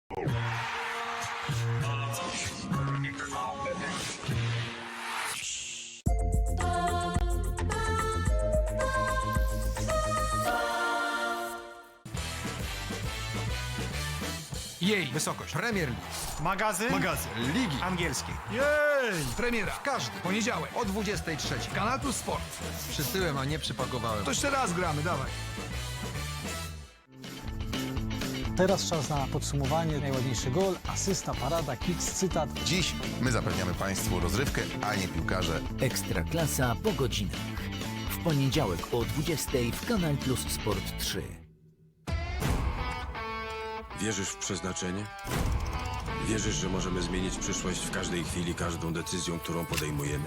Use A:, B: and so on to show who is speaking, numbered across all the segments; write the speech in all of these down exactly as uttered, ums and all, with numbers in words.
A: Jej wysokość. Premier League.
B: Magazyn?
C: Magazyn.
A: Ligi.
B: Angielskiej.
C: Jej!
A: Premiera. Każdy. Poniedziałek o dwudziestej trzeciej. Kanal Plus Sport.
D: Przytyłem, a nie przypakowałem.
A: To jeszcze raz gramy, dawaj.
E: Teraz czas na podsumowanie. Najładniejszy gol, asysta, parada, kick, cytat.
F: Dziś my zapewniamy Państwu rozrywkę, a nie piłkarze.
G: Ekstraklasa po godzinach. W poniedziałek o dwudziestej w Kanal Plus Sport trzy.
H: Wierzysz w przeznaczenie? Wierzysz, że możemy zmienić przyszłość w każdej chwili, każdą decyzją, którą podejmujemy?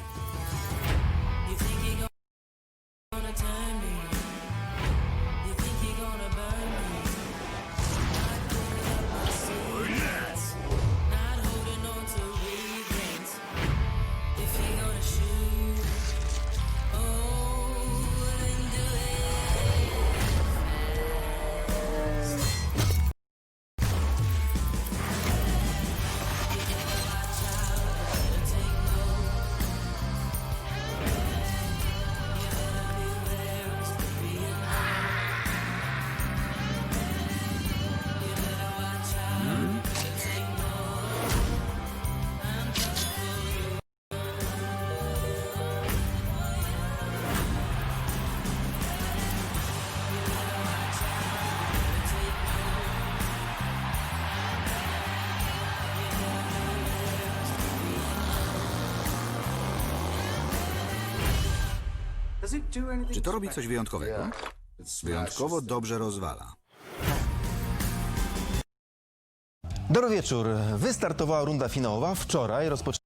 I: Czy to robi coś wyjątkowego? Wyjątkowo dobrze rozwala.
J: Dobry wieczór. Wystartowała runda finałowa. Wczoraj rozpoczęła